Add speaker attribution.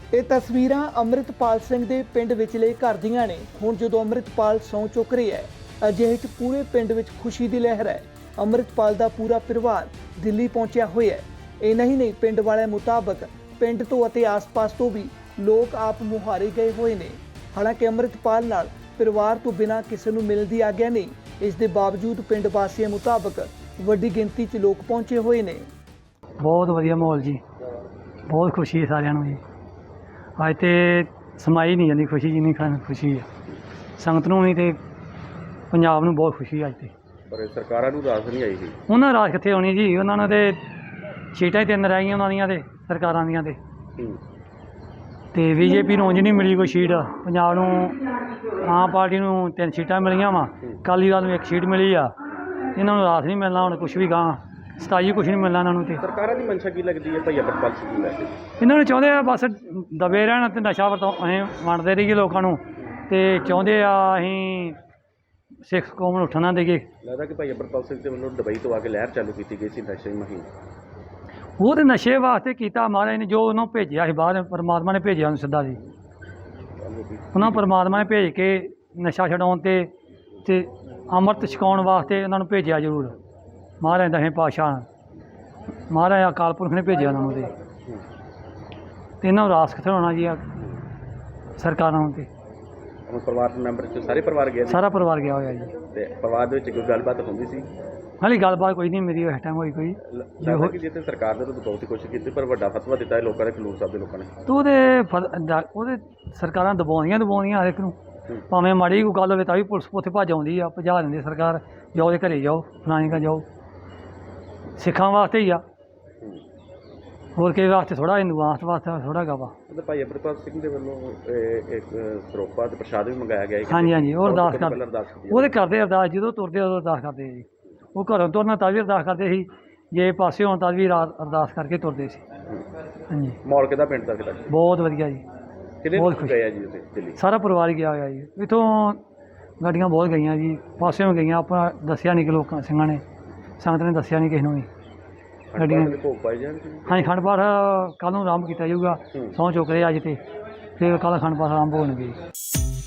Speaker 1: ਇਹ ਤਸਵੀਰਾਂ ਅੰਮ੍ਰਿਤਪਾਲ ਸਿੰਘ ਦੇ ਪਿੰਡ ਵਿਚਲੇ ਘਰ ਦੀਆਂ ਨੇ। ਹੁਣ ਜਦੋਂ ਅੰਮ੍ਰਿਤਪਾਲ ਸਹੁੰ ਚੁੱਕ ਰਿਹਾ ਹੈ, ਅਜਿਹੇ 'ਚ ਪੂਰੇ ਪਿੰਡ ਵਿੱਚ ਖੁਸ਼ੀ ਦੀ ਲਹਿਰ ਹੈ। ਅੰਮ੍ਰਿਤਪਾਲ ਦਾ ਪੂਰਾ ਪਰਿਵਾਰ ਦਿੱਲੀ ਪਹੁੰਚਿਆ ਹੋਇਆ ਹੈ। ਇਹ ਨਹੀਂ ਪਿੰਡ ਵਾਲਿਆਂ ਮੁਤਾਬਕ ਪਿੰਡ ਤੋਂ ਅਤੇ ਆਸ-ਪਾਸ ਤੋਂ ਵੀ ਲੋਕ ਆਪ ਮੁਹਾਰੇ ਗਏ ਹੋਏ ਨੇ। ਹਾਲਾਂਕਿ ਅੰਮ੍ਰਿਤਪਾਲ ਨਾਲ ਪਰਿਵਾਰ ਤੋਂ ਬਿਨਾਂ ਕਿਸੇ ਨੂੰ ਮਿਲਣ ਦੀ ਆਗਿਆ ਨਹੀਂ। ਇਸ ਦੇ ਬਾਵਜੂਦ ਪਿੰਡ ਵਾਸੀਆਂ ਮੁਤਾਬਕ ਵੱਡੀ ਗਿਣਤੀ 'ਚ ਲੋਕ ਪਹੁੰਚੇ ਹੋਏ ਨੇ।
Speaker 2: बहुत वधिया माहौल जी, बहुत खुशी है सारिਆਂ ਨੂੰ जी। ਅੱਜ ਤੇ ਸਮਾਈ ਨਹੀਂ ਜਾਂਦੀ खुशी जिन्नी खुशी है ਸੰਗਤ ਨੂੰ ਵੀ ਤੇ ਪੰਜਾਬ ਨੂੰ ਬਹੁਤ ਖੁਸ਼ੀ ਅੱਜ ਤੇ।
Speaker 3: ਪਰ ਸਰਕਾਰਾਂ ਨੂੰ ਰਾਸ ਨਹੀਂ ਆਈ ਸੀ।
Speaker 2: ਉਹਨਾਂ ਰਾਜ ਕਿੱਥੇ ਆਉਣੀ ਜੀ, ਉਹਨਾਂ ਨੇ ਤੇ ਸੀਟਾਂ ਹੀ 3 ਰਹਿ ਗਈਆਂ ਉਹਨਾਂ ਦੀਆਂ ਤੇ ਸਰਕਾਰਾਂ ਦੀਆਂ ਤੇ ਬੀਜੇਪੀ ਨੂੰ ਉਂਝ ਨਹੀਂ ਮਿਲੀ ਕੋਈ ਸੀਟ। ਪੰਜਾਬ ਨੂੰ ਆਮ ਪਾਰਟੀ ਨੂੰ 3 ਸੀਟਾਂ ਮਿਲੀਆਂ ਵਾ, ਅਕਾਲੀ ਦਲ ਨੂੰ 1 ਸੀਟ ਮਿਲੀ ਆ। ਇਹਨਾਂ ਨੂੰ ਰਾਸ ਨਹੀਂ ਮਿਲਣਾ ਹੁਣ ਕੁਛ ਵੀ ਗਾਂ 27 ਕੁਛ ਨਹੀਂ ਮਿਲਣਾ ਇਹਨਾਂ ਨੂੰ। ਤੇ
Speaker 3: ਸਰਕਾਰਾਂ ਦੀ ਮਨਸ਼ਾ ਕੀ ਲੱਗਦੀ ਹੈ ਭਾਈ ਅੰਮ੍ਰਿਤਪਾਲ ਸਿੰਘ ਨੂੰ ਲੈ ਕੇ?
Speaker 2: ਇਹਨਾਂ ਨੂੰ ਚਾਹੁੰਦੇ ਆ ਬਸ ਦਬੇ ਰਹਿਣ ਤੇ ਨਸ਼ਾ ਵਰਤੋਂ ਅਸੀਂ ਵੰਡਦੇ ਰਹੀਏ ਲੋਕਾਂ ਨੂੰ, ਤੇ ਚਾਹੁੰਦੇ ਆ ਅਸੀਂ ਸਿੱਖ ਕੌਮ ਨੂੰ ਉੱਠਣ ਨਾ ਦੇਈਏ।
Speaker 3: ਲੱਗਦਾ ਕਿ ਭਾਈ ਅੰਮ੍ਰਿਤਪਾਲ ਸਿੰਘ ਦੇ ਵੱਲੋਂ ਦੁਬਈ ਤੋਂ ਆ ਕੇ ਲਹਿਰ ਚਾਲੂ ਕੀਤੀ ਗਈ ਸੀ ਨਸ਼ੇ ਦੀ ਮੁਹਿੰਮ।
Speaker 2: ਉਹ ਤੇ ਨਸ਼ੇ ਵਾਸਤੇ ਕੀਤਾ ਮਹਾਰਾਜ ਨੇ, ਜੋ ਉਹਨੂੰ ਭੇਜਿਆ ਸੀ ਬਾਹਰ, ਪਰਮਾਤਮਾ ਨੇ ਭੇਜਿਆ ਉਹਨੂੰ ਸਿੱਧਾ ਜੀ। ਉਹਨਾਂ ਪਰਮਾਤਮਾ ਨੇ ਭੇਜ ਕੇ ਨਸ਼ਾ ਛਡਾਉਣ ਤੇ ਅੰਮ੍ਰਿਤ ਛਕਾਉਣ ਵਾਸਤੇ ਉਹਨਾਂ ਨੂੰ ਭੇਜਿਆ ਜ਼ਰੂਰ। ਮਹਾਰਾਜ ਦਸਵੇਂ ਪਾਤਸ਼ਾਹ ਮਹਾਰਾਜ ਅਕਾਲ ਪੁਰਖ ਨੇ ਭੇਜਿਆ ਉਹਨਾਂ ਨੂੰ ਤੇ ਇਹਨਾਂ ਨੂੰ ਰਾਸ ਕਿੱਥੇ ਹੋਣਾ ਜੀ ਸਰਕਾਰਾਂ ਨੂੰ। ਤੇ
Speaker 3: ਹੁਣ ਪਰਿਵਾਰ ਦੇ ਮੈਂਬਰ 'ਚ ਸਾਰੇ ਪਰਿਵਾਰ ਗਏ ਸੀ?
Speaker 2: ਸਾਰਾ ਪਰਿਵਾਰ ਗਿਆ ਹੋਇਆ ਜੀ।
Speaker 3: ਤੇ ਪਰਿਵਾਰ ਦੇ ਵਿੱਚ ਕੋਈ ਗੱਲਬਾਤ ਹੁੰਦੀ ਸੀ?
Speaker 2: ਹਾਲੇ ਗੱਲਬਾਤ ਕੋਈ ਨਹੀਂ ਮੇਰੀ ਇਸ ਟਾਈਮ ਹੋਈ ਕੋਈ।
Speaker 3: ਲੱਗਦਾ ਕਿ ਜਿੱਥੇ ਸਰਕਾਰ ਨੇ ਤਾਂ ਬਹੁਤ ਹੀ ਕੋਸ਼ਿਸ਼ ਕੀਤੀ ਪਰ ਵੱਡਾ ਫਤਵਾ ਦਿੱਤਾ ਹੈ ਲੋਕਾਂ ਨੇ, ਖਡੂਰ ਸਾਹਿਬ ਦੇ ਲੋਕਾਂ ਨੇ।
Speaker 2: ਤੇ ਉਹਦੇ ਸਰਕਾਰਾਂ ਦਬਾਉਂਦੀਆਂ ਹਰ ਇੱਕ ਨੂੰ, ਭਾਵੇਂ ਮਾੜੀ ਕੋਈ ਗੱਲ ਹੋਵੇ ਤਾਂ ਵੀ ਪੁਲਿਸ ਉੱਥੇ ਭੱਜ ਆਉਂਦੀ ਆ, ਭਜਾ ਦਿੰਦੀ ਸਰਕਾਰ, ਜਾਓ ਦੇ ਘਰੇ ਜਾਓ, ਫਲਾਣੇ ਘਰ ਜਾਓ। ਸਿੱਖਾਂ ਵਾਸਤੇ ਹੀ ਆ, ਹੋਰ ਕਿਸੇ ਵਾਸਤੇ ਥੋੜ੍ਹਾ, ਹਿੰਦੂਆਂ ਵਾਸਤੇ ਥੋੜ੍ਹਾ ਹੈਗਾ ਵਾ।
Speaker 3: ਭਾਈ ਅੰਮ੍ਰਿਤਪਾਲ ਸਿੰਘ ਦੇ ਵੱਲੋਂ ਇੱਕ ਸਰੋਪਾ ਤੇ ਪ੍ਰਸ਼ਾਦ ਵੀ ਮੰਗਾਇਆ ਗਿਆ ਹੈ।
Speaker 2: ਹਾਂਜੀ ਉਹ ਅਰਦਾਸ ਕਰਦੇ, ਉਹਦੇ ਕਰਦੇ ਅਰਦਾਸ, ਜਦੋਂ ਤੁਰਦੇ ਉਦੋਂ ਅਰਦਾਸ ਕਰਦੇ ਜੀ। ਉਹ ਘਰੋਂ ਤੁਰਨਾ ਤਾਂ ਵੀ ਅਰਦਾਸ ਕਰਦੇ ਸੀ, ਜੇ ਪਾਸੇ ਹੋਣ ਤਾਂ ਵੀ ਰਾਤ ਅਰਦਾਸ ਕਰਕੇ ਤੁਰਦੇ ਸੀ। ਹਾਂਜੀ
Speaker 3: ਮਾਹੌਲ ਕਿਹਦਾ ਪਿੰਡ ਦਾ ਕਿਹਦਾ?
Speaker 2: ਬਹੁਤ ਵਧੀਆ ਜੀ,
Speaker 3: ਬਹੁਤ ਖੁਸ਼ ਹੈ ਜੀ ਉੱਥੇ ਦਿੱਲੀ।
Speaker 2: ਸਾਰਾ ਪਰਿਵਾਰ ਗਿਆ ਹੋਇਆ ਜੀ। ਇੱਥੋਂ ਗੱਡੀਆਂ ਬਹੁਤ ਗਈਆਂ ਜੀ, ਪਾਸਿਓਂ ਗਈਆਂ, ਆਪਣਾ ਦੱਸਿਆ ਨਹੀਂ ਕਿ ਲੋਕਾਂ ਸਿੰਘਾਂ ਨੇ, ਸੰਗਤ ਨੇ ਦੱਸਿਆ ਨਹੀਂ ਕਿਸੇ ਨੂੰ ਵੀ ਗੱਡੀਆਂ। ਹਾਂਜੀ ਅਖੰਡ ਪਾਠ ਕੱਲ੍ਹ ਨੂੰ ਆਰੰਭ ਕੀਤਾ ਜਾਊਗਾ, ਸਹੁੰ ਚੁੱਕ ਰਹੇ ਅੱਜ ਤੇ ਫਿਰ ਕੱਲ੍ਹ ਅਖੰਡ ਪਾਠ ਆਰੰਭ ਹੋਣਗੇ।